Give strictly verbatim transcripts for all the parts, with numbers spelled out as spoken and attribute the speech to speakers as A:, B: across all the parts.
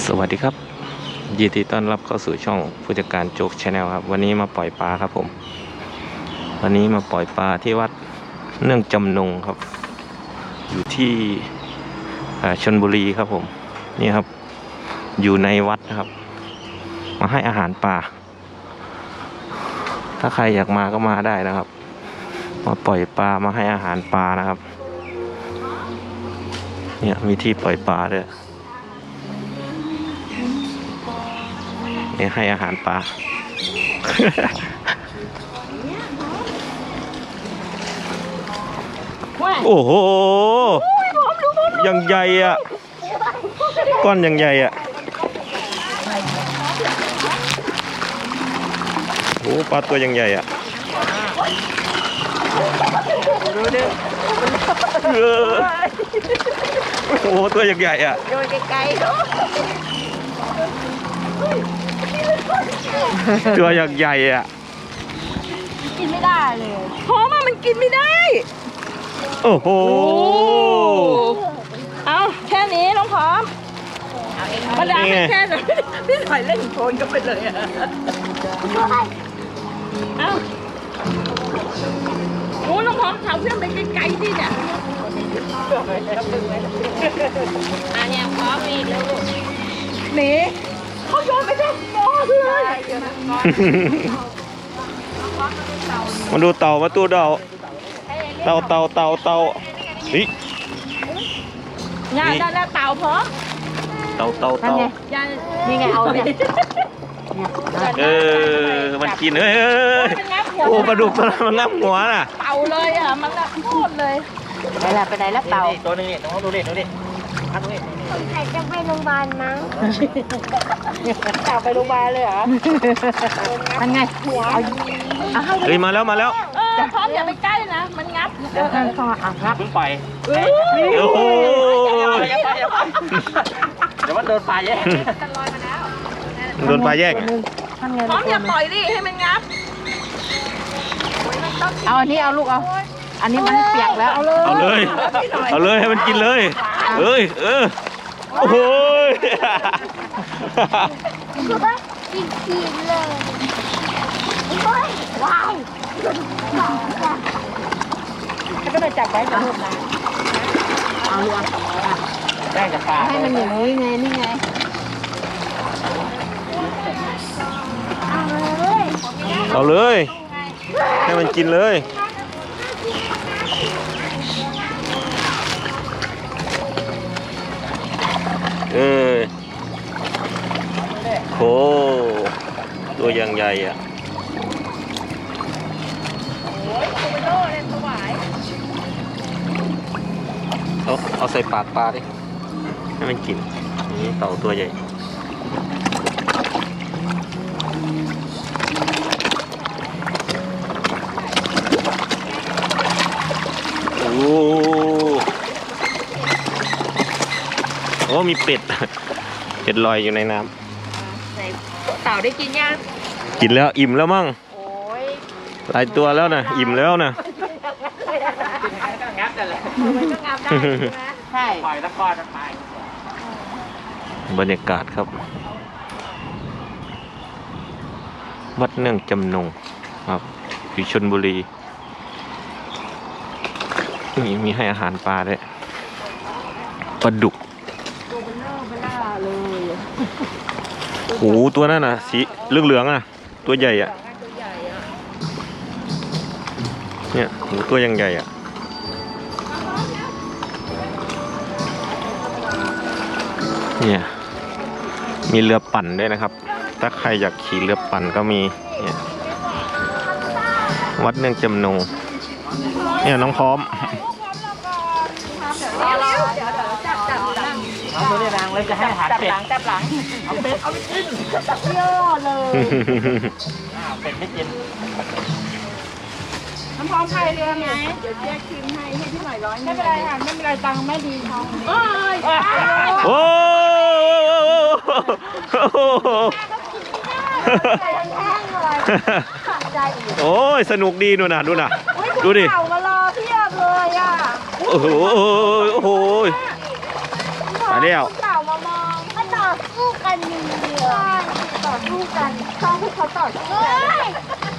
A: สวัสดีครับยินดีต้อนรับเข้าสู่ช่องผู้จัดการโจ๊กชาแนลครับวันนี้มาปล่อยปลาครับผมวันนี้มาปล่อยปลาที่วัดเนื่องจำนงครับอยู่ที่ชลบุรีครับผมนี่ครับอยู่ในวัดนะครับมาให้อาหารปลาถ้าใครอยากมาก็มาได้นะครับมาปล่อยปลามาให้อาหารปลานะครับเนี่ยมีที่ปล่อยปลาด้วยนี่ให้อาหารปลา โอ้โหยังใหญ่อ่ะก้อนยังใหญ่อ่ะโอ้ปลาตัวยังใหญ่อ่ะโอ้ตัวยังใหญ่อ่ะ
B: โดนไกลๆ
A: ตัวยังใหญ่อ่ะ
B: กินไม่ได้เลยเพราะมันมันกินไม่ได้
A: โอ้โห
B: เอาแค่นี้น้องพร้อมมาดามแค่นี้พี่ถอยเล่นโคลนก็ไปเลยอ่ะเอาโอ้น้องพร้อมถามเพื่อนไปไกลๆดิเนี่ยอันนี้พร้อมมีลูกหนีเขาโยนไปทั้งหม้อเลย
A: มาดูเต่ามาตู้เต่าเต่าเต่าเต่าเต่านี่
B: งานได้แล้วเต่าพร้อม
A: เต่าเต่าเต่า
B: นี่ไงเอาเนี่ย
A: เออมันกินเอ้ยโอ้ปลาดุกตัวนั้นมันงับหัวน่ะ
B: เต่าเลยอ่ะมันละโคตรเลยไปละไปไหนแล้วเต่า
C: ตัวนึงนี่ต้องดูดิดูดิพักดูดิ
B: คนไทยจะไปโรงพยาบาลมั้งเต่าไปโรงพยาบาลเลยเหรอทำไงหัว
A: เฮ้ยมาแล้วมาแล้ว
B: เออพร้อมอย่าไปใกล้นะมันงับ
C: เดี๋ยวท่านเข้าอ่ะงับเพิ่งปล่อย
A: โอ้โห
C: เดี๋ยวมันโดนปลาแย่ง
A: โดนปลาแย่ง
B: พร้อมอย่าปล่อยดิให้มันงับ
D: เอาอันนี้เอาลูกเอาอันนี้มันเปียกแล้วเอาเลย
A: เอาเลยเอาเลยให้มันกินเลยเอ้ยเออโอ้โห
B: คือว่ากินกินเลยว้าวแล้วก็เลยจับไว้กับลูกนะ
D: เอาลูก
C: แย่งจากปลา
D: ให้มันอย่างนี้ไงนี่ไง
A: เอาเลยให้มันกินเลยเออโหตัวยังใหญ่อ่ะเอาเอาใส่ปากปลาดิให้มันกินนี่เต่าตัวใหญ่โอ้โอ้มีเป็ดเป็ดลอยอยู่ในน้
B: ำเต่าได้กินยัง
A: กินแล้วอิ่มแล้วมั่ง
B: โอ้ย
A: หลายตัวแล้วนะอิ่มแล้วนะ
C: งับนั่นแหละ
B: ใช่
C: ปล่อยตะกอนไป
A: บรรยากาศครับวัดเนื่องจำนงครับอยู่ชลบุรีนี่มีให้อาหารปลาด้วยปลาดุกโอ้โหตัวนั้นน่ะสีเหลืองๆอ่ะตัวใหญ่อ่ะเนี่ยโหตัวยังใหญ่อ่ะเนี่ยมีเรือปั่นด้วยนะครับถ้าใครอยากขี่เรือปั่นก็มีเนี่ยวัดเนื่องจำนงเนี่ยน้องพร้อม
C: เอาตัวนี้นางเลยจะให้อาหารเป็ด
B: จับหลัง
C: เอาเป็ดเอาไปกิน
B: เยอะเลย
C: เป็ดไม่กิน
B: น้ำพร้อมใครเรือไหมเดี๋ยวแยกคืนให้ให้พี่หน่อยร้อยไม่เป็นไรค่ะไม่เป็นไรตังค์ไม่ดีทองโอ้ย
A: โอ้โอ้ยสนุกดีนู่นน่ะดูน่ะดูดิ
B: เต่ามารอเพียบเลยอ่ะ
A: โอ้โหโอ้โหตายแล้ว
B: เต่ามามองถ้าเต่าต่อสู้กันอย่างเดียวต่อสู้กันต้องให้เขาต่อสู้กัน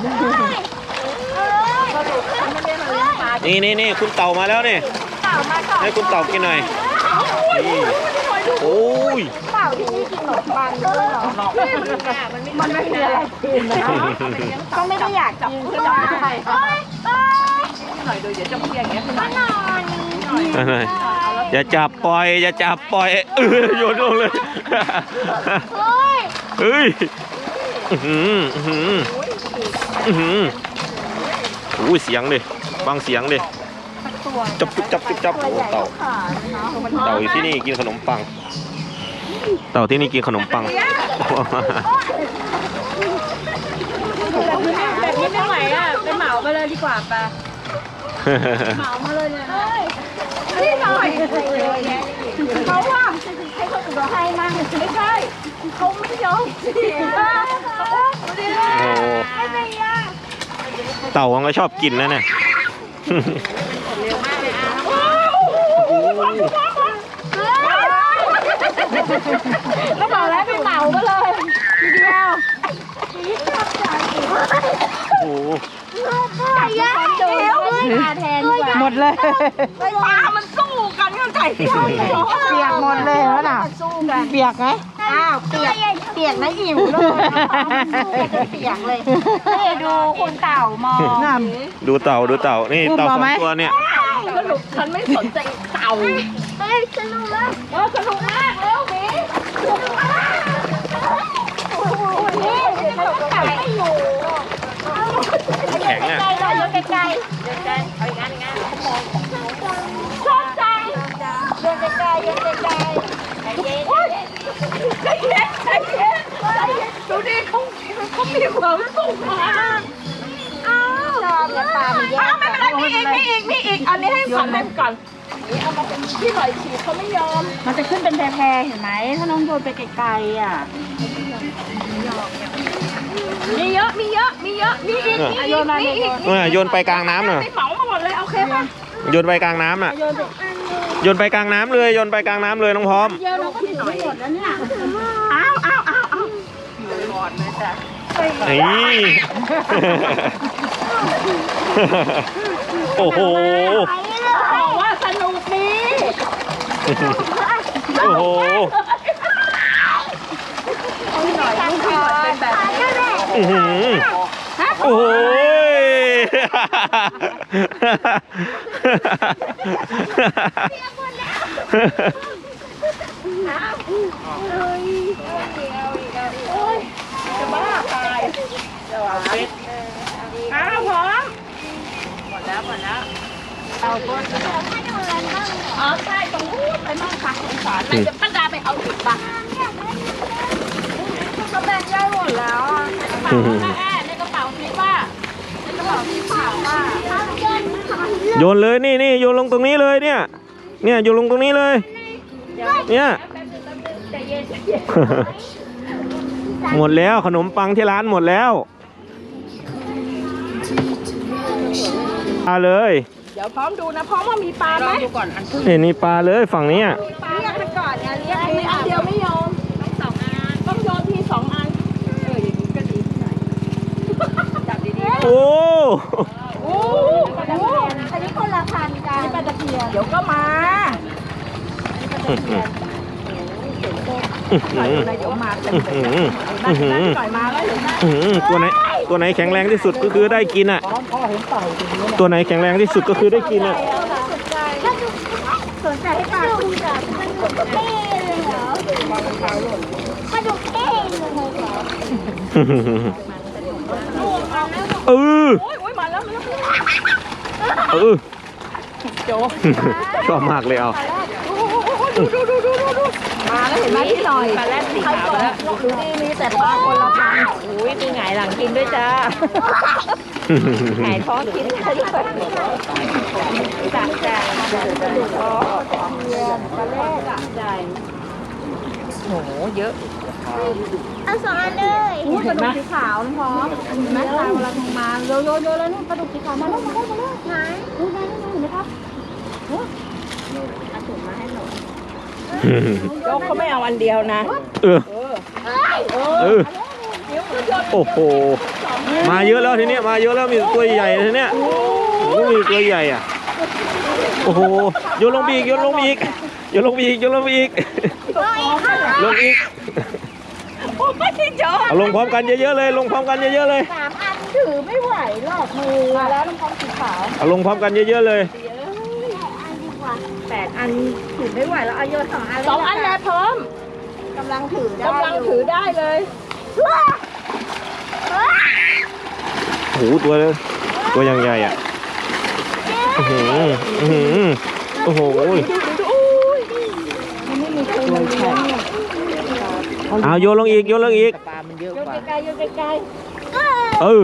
B: สรุปฉันไม่ได้มาเลี้ยงปลา
A: นี่นี่นี่คุณเต่ามาแล้วนี่
B: เต่ามาต่อ
A: ให้คุณเต่ากินหน่อยนี่โอ้ย
B: เต่าที่นี่กินขนมปังด้วยเหรอมันไม่มีอะไรกินนะก็ไม่ได้อยากกินใช่ไหมเอ้ยเอ้ย
D: หน่อยดูเดี๋ยวจะเพียงอย่างเงี้ย
B: มานอน
A: อะไรอย่าจับปล่อย อย่าจับปล่อยเออโยนลงเลย
B: เฮ้ย
A: เฮ้ยอื้อหืออื้อหืออื้อหือโอ้ยเสียงดิฟังเสียงดิจับจุบจับจุบจับโอ้เต่าเต่าอยู่ที่นี่กินขนมปัง เต่าที่นี่กินขนมปัง
B: แบบนี้ไม่ไหวอ่ะไปเหมาไปเลยดีกว่าปะเหมามาเลยเนี่ยนี่หน่อยเขาว่าให้เขาตัวให้มั่งไม่ใช่เขาไม่ยอมสิ
A: โอ้เต่ามันก็ชอบกินนะเนี่ย
B: แล้วบอกแล้วไปเหมาก็เลยทีเดียว
A: โอ้โห
B: ไก่ย่างเดี๋ยวมาแทนดีกว่า
D: หมดเลย
B: ปลามันสู้กันเข้าใจเปียก
D: เปียกหมดเลยแล้วน่ะ
B: สู้กัน
D: เปียกไหม
B: อ้าวเปียกเปียกนะอิ่วเลยสู้กันจนเปียกเลยนี่ดูคุณเต่ามอง
D: งาม
A: ดูเต่าดูเต่านี่
D: พูด
A: เต่าส
D: พอ
A: อ
D: ไหม
A: งตัวเนี่ย
B: สรุปฉันไม่สนใจเต่าเฮ้ยสนุกมากเออสนุกมากเร็วหมีสนุกมากนี่มันต้องไก่ไม่อยู่
A: แข็งอ่ะ
B: ไกลๆเลยโยนไกลๆโยนไกลเอาอีกอันอีกอันชอบใจโยนไกลๆโยนไกลๆใจเย็นใจเย็นใจเย็นใจเย็นดูดิเขาเขามีความสุขมากอ้าวชอบเนี่ยปลามันแยกไม่เป็นไรมีอีกมีอีกมีอีกอันนี้ให้ฝันเล่นก่อนนี่เอามาเป็นที่หน่อยฉีดเขาไม่ยอมมันจะขึ้นเป็นแพรๆเห็นไหมถ้าน้องโยนไปไกลๆอ่ะมีเยอะมีเยอะมีเยอะมีอีกมีอีกมีอีก
A: เออโยนไปกลางน้ำหน่อย
B: ไม่เหมามาหมดเลยโอเคป่ะ
A: โยนไปกลางน้ำอ่ะ
B: โยนไป
A: โยนไปกลางน้ำเลยโยนไปกลางน้ำเลยน้องพร้อม
B: เยอะเราก็ถือไม่หมดแล้วเนี่ยอ้าวอ้าวอ้าวอ้าว
A: นี่ โอ้โห
B: บอกว่าสนุกดี
A: โอ้โห
B: พี่หน่อยลูกพี่หน่อยเป็นแบบนี้
A: อื้อหือโอ้ย
B: จะบ้าตายอ้าวพร้อมหมดแล้วหมดแล้วเอาต้นอ๋อใช่ตรงนู้นไปมั่งค่ะสงสารนายจะป้าดาไปเอาติดบ้านก็แบ่งย่อยหมดแล้วอ่ะในกระเป๋าแม่ในกระเป๋าพี่ว่าในกระเป๋าพี่สาวว่า
A: โยนเลยนี่นี่โยนลงตรงนี้เลยเนี่ย เนี่ยโยนลงตรงนี้เลย เนี่ย หมดแล้วขนมปังที่ร้านหมดแล้วปลาเลย
B: เดี๋ยวพร้อมดูนะพร้อมว่ามีปลาไหมดูก่อนอัน
A: เห็นนี่ปลาเลยฝั่งนี้อ่ะ
B: ปลาเรียกมันก่อนเนี่ยเรียกมีอันเดียวไม่ยอมต้องสองอันต้องโยนทีสองอันเอออย่างนี้ก็ดีหน่อยจับดีๆ
A: โอ้
B: โอ้โหอันนี้คนละพันกันนี่ปลาตะเพียนเดี๋ยวก็มาหน่อยเดี๋ยวมาเต็มเลยน่าจะหน่อยมาแล้วเห็นไหม
A: อื้อหือตัวไหนตัวไหนแข็งแรงที่สุดก็คือได้กินอ่ะ ตัวไหนแข็งแรงที่สุดก็คือได้กินอ่ะ
B: สนใจให้ปลาคุณจับมันดุเท่เลยเหรอมันดุเท่เลยเหรอ
A: เออ
B: โอ้ยโอ้ยมาแล้วมาแล้ว
A: เออชอบมากเลยเอา
B: ดูดูดูดูดูมาแล้วเห็นไหมพี่หน่อยปลาแรดสีขาวแล้วดูดีมีแต่ปลาคนละพันอุ้ยมีหงายหลังกินด้วยจ้าหงายท้องกินด้วยจัดจ้าดูท้องปลาแรดจัดใจโอ้โหเยอะเอาสองอันเลยปลาดุกสีขาวน้องพร้อมเห็นไหมปลาเวลาทงมาโยโยโยแล้วนู่นปลาดุกสีขาวมาแล้วมาแล้วมาแล้วไหนดูได้ดูเห็นไหมครับเอาถุงมาให้หนูโจ๊กเขาไม่เอาอันเดียวนะ
A: เออเออโอ้โหมาเยอะแล้วทีเนี้ยมาเยอะแล้วมีตัวใหญ่ทีเนี้ยโอ้โหมีตัวใหญ่อ่ะโอ้โหโยนลงไปอีกโยนลงไปอีกโยนลงไปอีกโยนลงไปอีกลงอีก
B: โอ้ยโจ๊ก
A: เอาลงพร้อมกันเยอะๆเลยลงพร้อมกันเยอะๆเลย
B: สามอันถือไม่ไหวหรอกมือแล้วน้ำพองสีขาว
A: เอาลงพร้อมกันเยอะๆเลย
B: แปดอันถือไม่ไหวแล้วเอาโยนสองอันสองอันเลยพร้อมกำลังถือได้กำลังถือได้เลย
A: โอ้โหตัวตัวยังใหญ่อ่ะอื้อหืออื้อหือโอ้โหเอาโยนลงอีกโยนลงอีก
D: ปลามันเยอะ
B: โย
D: ก
B: น
D: ว่า
B: ไกลๆโยนไกล
A: เออ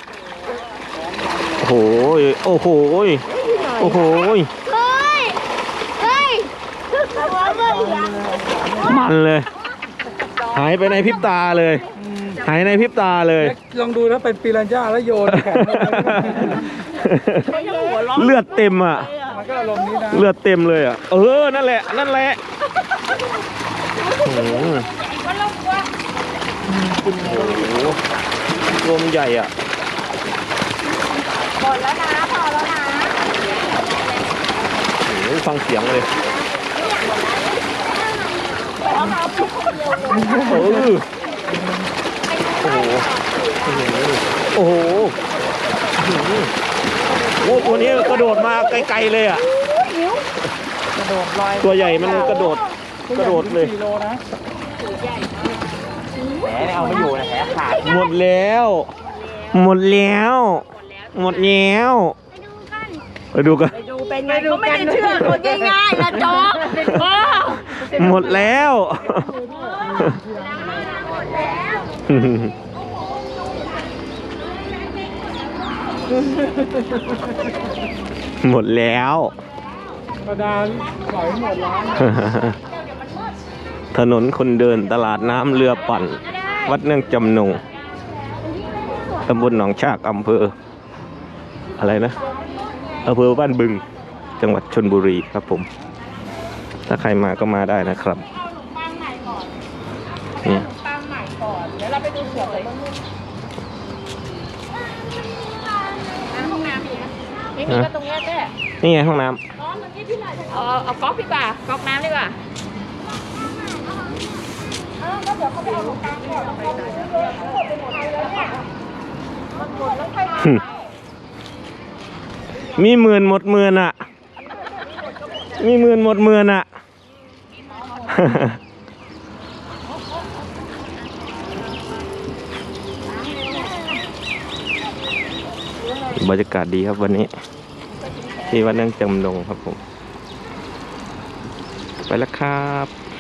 A: โอ้โหโอ้โหโอ้โห
B: ๆเฮ้ยเฮ้ยหัวมือเหลือง
A: มันเลย หายไปในพริบตาเลย หายในพริบตาเลย
C: ลองดูแล้วเป็นปีรัญญาแล้วโยนแข็ง
A: เลือดเต็มอ่ะ
C: มันก็อารมณ์นี้นะ
A: เลือดเต็มเลยอ่ะ เออ นั่นแหละ นั่นแหละโอ้โหโอ้โหรวมใหญ่อ่ะ
B: หมดแล้วนะพอแล้วนะ
A: โอ้โหฟังเสียงเลยเออโอ้โหโอ้โหโอ้โหโอ้ตัวนี้กระโดดมาไกลๆเลยอ่ะ
D: กระโดดลอย
A: ตัวใหญ่มันกระโดด กระโดดเลย
C: กิโลนะแหมเอาไม่อยู่นะแหขาด
A: หมดแล้ว หมดแล้ว หมดแล้วไปดูกัน
B: ไปดูเป็นไงเขาไม่ได้เชื่อคนง่ายๆนะโจ๊กโอ้
A: หมดแล้ว หมดแล้ว
C: ประดาปล่อยหมดแล้ว
A: ถนนคนเดินตลาดน้ำเรือปั่น วัดเนื่องจำนงตำบลหนองชากอำเภอ อะไรนะอำเภอบ้านบึง จังหวัดชลบุรีครับผม ถ้าใครมาก็มาได้นะครับนี่
B: ตั้งใหม่ก่อนเดี๋ยวเราไปดูเสือเลยห้องน้ำมีไหมไม่มีก็ตรงนี้แค่
A: นี่ไงห้องน้
B: เอาเอาก๊อกดีกว่าก๊อกน้ำดีกว่า
A: ำมีหมื่นหมดหมื่นอ่ะ มีหมื่นหมดหมื่นอ่ะ บรรยากาศดีครับวันนี้ ที่วัดเนื่องจำนงครับผม ไปแล้วครับ